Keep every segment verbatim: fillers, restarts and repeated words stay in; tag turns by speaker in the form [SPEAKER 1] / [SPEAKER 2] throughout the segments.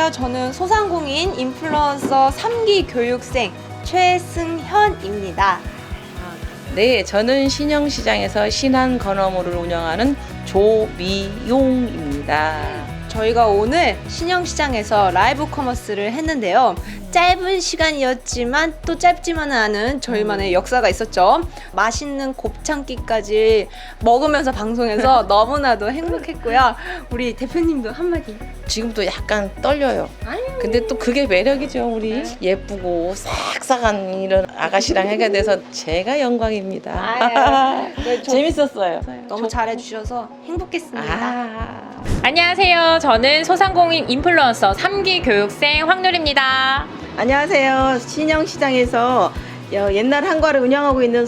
[SPEAKER 1] 안녕하세요. 저는 소상공인 인플루언서 삼 기 교육생 최승현입니다.
[SPEAKER 2] 네, 저는 신영시장에서 신한건어물을 운영하는 조미용입니다.
[SPEAKER 1] 저희가 오늘 신영시장에서 라이브 커머스를 했는데요. 짧은 시간이었지만 또 짧지만은 않은 저희만의 역사가 있었죠. 맛있는 곱창기까지 먹으면서 방송해서 너무나도 행복했고요. 우리 대표님도 한마디.
[SPEAKER 2] 지금도 약간 떨려요.
[SPEAKER 1] 아유.
[SPEAKER 2] 근데 또 그게 매력이죠, 우리.
[SPEAKER 1] 네.
[SPEAKER 2] 예쁘고 싹싹한 이런 아가씨랑 하게 돼서 제가 영광입니다.
[SPEAKER 1] 아유. 네, 저-
[SPEAKER 2] 재밌었어요.
[SPEAKER 1] 너무 잘해주셔서 행복했습니다.
[SPEAKER 2] 아.
[SPEAKER 3] 안녕하세요. 저는 소상공인 인플루언서 삼 기 교육생 황누리입니다.
[SPEAKER 4] 안녕하세요. 신영시장에서 옛날 한과를 운영하고 있는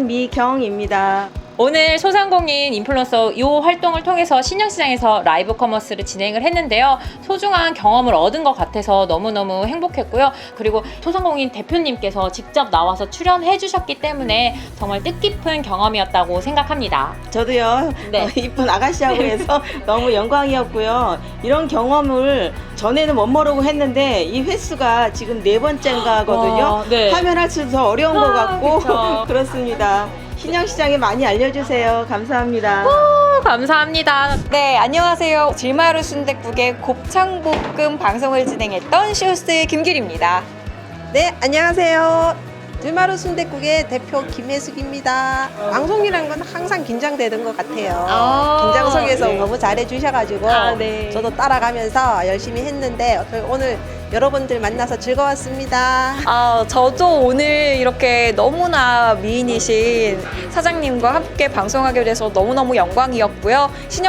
[SPEAKER 4] 손미경입니다.
[SPEAKER 3] 오늘 소상공인 인플루언서 이 활동을 통해서 신영시장에서 라이브 커머스를 진행을 했는데요. 소중한 경험을 얻은 것 같아서 너무너무 행복했고요. 그리고 소상공인 대표님께서 직접 나와서 출연해 주셨기 때문에 정말 뜻깊은 경험이었다고 생각합니다.
[SPEAKER 4] 저도요.
[SPEAKER 3] 네.
[SPEAKER 4] 어, 이쁜 아가씨하고 해서 너무 영광이었고요. 이런 경험을 전에는 못 모르고 했는데 이 횟수가 지금 네 번째인가거든요.
[SPEAKER 3] 와, 네.
[SPEAKER 4] 하면 할수록 더 어려운 것
[SPEAKER 3] 아,
[SPEAKER 4] 같고
[SPEAKER 3] 그쵸.
[SPEAKER 4] 그렇습니다. 신영시장에 많이 알려주세요. 감사합니다.
[SPEAKER 3] 오, 감사합니다.
[SPEAKER 5] 네, 안녕하세요. 질마루 순댓국의 곱창볶음 방송을 진행했던 쇼스 김길입니다.
[SPEAKER 6] 네, 안녕하세요. 들마루 순댓국의 대표 김혜숙입니다. 방송이란 건 항상 긴장되는 것 같아요.
[SPEAKER 3] 아,
[SPEAKER 6] 긴장 속에서
[SPEAKER 3] 네.
[SPEAKER 6] 너무 잘해 주셔가지고
[SPEAKER 3] 아, 네.
[SPEAKER 6] 저도 따라가면서 열심히 했는데 오늘 여러분들 만나서 즐거웠습니다.
[SPEAKER 5] 아, 저도 오늘 이렇게 너무나 미인이신 사장님과 함께 방송하게 돼서 너무너무 영광이었고요.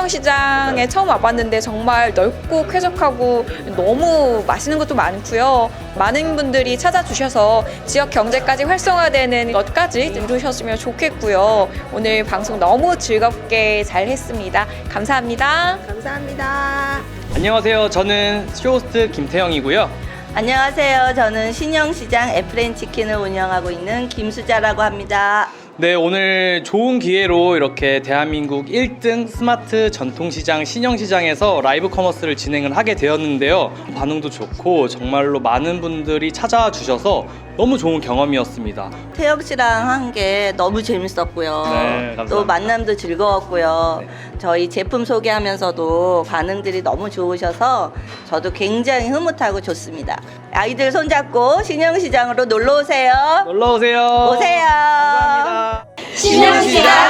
[SPEAKER 5] 신영시장에 처음 와봤는데 정말 넓고 쾌적하고 너무 맛있는 것도 많고요. 많은 분들이 찾아주셔서 지역 경제까지 활성화되는 것까지 이루셨으면 좋겠고요. 오늘 방송 너무 즐겁게 잘 했습니다. 감사합니다.
[SPEAKER 6] 감사합니다.
[SPEAKER 7] 안녕하세요. 저는 쇼호스트 김태형이고요.
[SPEAKER 8] 안녕하세요. 저는 신영시장 에프렌치킨을 운영하고 있는 김수자라고 합니다.
[SPEAKER 7] 네, 오늘 좋은 기회로 이렇게 대한민국 일 등 스마트 전통시장 신영시장에서 라이브 커머스를 진행을 하게 되었는데요. 반응도 좋고 정말로 많은 분들이 찾아와 주셔서 너무 좋은 경험이었습니다.
[SPEAKER 8] 태혁 씨랑 한 게 너무 재밌었고요.
[SPEAKER 7] 네, 감사합니다.
[SPEAKER 8] 또 만남도 즐거웠고요.
[SPEAKER 7] 네.
[SPEAKER 8] 저희 제품 소개하면서도 반응들이 너무 좋으셔서 저도 굉장히 흐뭇하고 좋습니다. 아이들 손잡고 신영시장으로 놀러 오세요.
[SPEAKER 7] 놀러 오세요.
[SPEAKER 8] 오세요.
[SPEAKER 7] 감사합니다.
[SPEAKER 8] 신영시장